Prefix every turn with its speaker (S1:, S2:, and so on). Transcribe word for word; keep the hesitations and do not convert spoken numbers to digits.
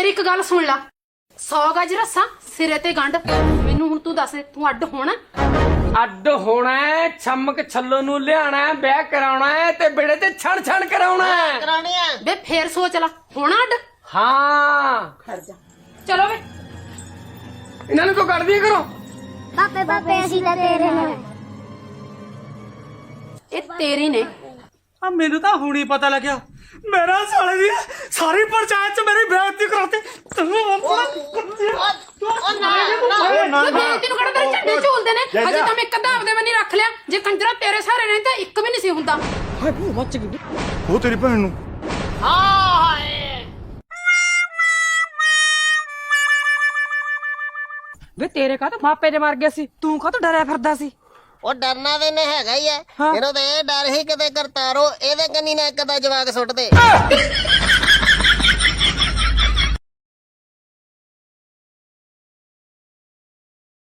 S1: ਮੇਰੀ ਇੱਕ ਗੱਲ ਸੁਣ ਲਾ। ਸੌ ਗਜ ਰੱਸਾ ਸਿਰੇ ਤੇ ਗੰਢ। ਮੈਨੂੰ ਹੁਣ ਤੂੰ ਦੱਸ, ਤੂੰ ਅੱਡ ਹੋਣਾ?
S2: ਅੱਡ ਹੋਣਾ ਹੈ, ਛਮਕ ਛੱਲੋ ਨੂੰ ਲਿਆਣਾ ਹੈ, ਵਿਆਹ ਕਰਾਉਣਾ ਹੈ ਤੇ ਬੇੜੇ ਤੇ ਛਣ ਛਣ ਕਰਾਉਣਾ ਹੈ।
S3: ਕਰਾਉਣੇ ਆ
S1: ਵੇ ਫੇਰ ਸੋਚ ਲਾ, ਹੋਣਾ ਅੱਡ?
S2: ਹਾਂ
S1: ਖੜ ਜਾ, ਚਲੋ ਵੇ।
S2: ਇਹਨਾਂ ਨੂੰ ਕੋ ਕੱਢ ਦਿਆ ਕਰੋ।
S4: ਪਾਪੇ ਪਾਪੇ ਅਸੀਂ ਤਾਂ ਤੇਰੇ ਨਾਲ
S1: ਇਹ ਤੇਰੀ ਨੇ।
S5: ਆ ਮੈਨੂੰ ਤਾਂ ਹੁਣੀ ਪਤਾ ਲੱਗਿਆ, ਮੇਰਾ ਸਾਲੇ ਦੀ ਸਾਰੀ ਪੰਚਾਇਤ ਚ ਮੇਰੀ ਬੇਇੱਜ਼ਤੀ ਕਰਾਤੀ। ਤੈਨੂੰ
S3: ਉਹ ਨਾ ਨਾ
S1: ਵੇ ਬੇਇੱਜ਼ਤੀ ਨੂੰ ਕਿਹੜਾ ਤੇਰੇ ਝੰਡੇ ਝੂਲਦੇ ਨੇ? ਅਜੇ ਤਾਂ ਮੈਂ ਇੱਕ ਅੱਧਾ ਆਪਦੇ ਬੰਨੀ ਰੱਖ ਲਿਆ। ਜੇ ਕੰਜਰਾ ਤੇਰੇ ਸਾਰੇ ਨੇ ਤਾਂ ਇੱਕ ਵੀ ਨਹੀਂ ਸੀ ਹੁੰਦਾ।
S6: ਉਹ ਤੇਰੀ ਭੈਣ ਨੂੰ
S3: ਹਾਏ
S7: ਵੇ ਤੇਰੇ ਕਾਹ ਤੋਂ ਮਾਪੇ ਦੇ ਮਰ ਗਏ ਸੀ, ਤੂੰ ਕਾਹ ਤੋਂ ਡਰਿਆ ਫਿਰਦਾ ਸੀ?
S3: ਉਹ ਡਰਨਾ ਤੇ ਨੇ ਹੈਗਾ ਹੀ ਐ। ਇਹਨੂੰ ਤੇ ਇਹ ਡਰ ਹੀ ਕਿਤੇ ਕਰਤਾਰੋ ਇਹਦੇ ਕੰਨੀ ਨਾ ਇੱਕ ਦਾ ਜਵਾਕ ਸੁੱਟ ਦੇ।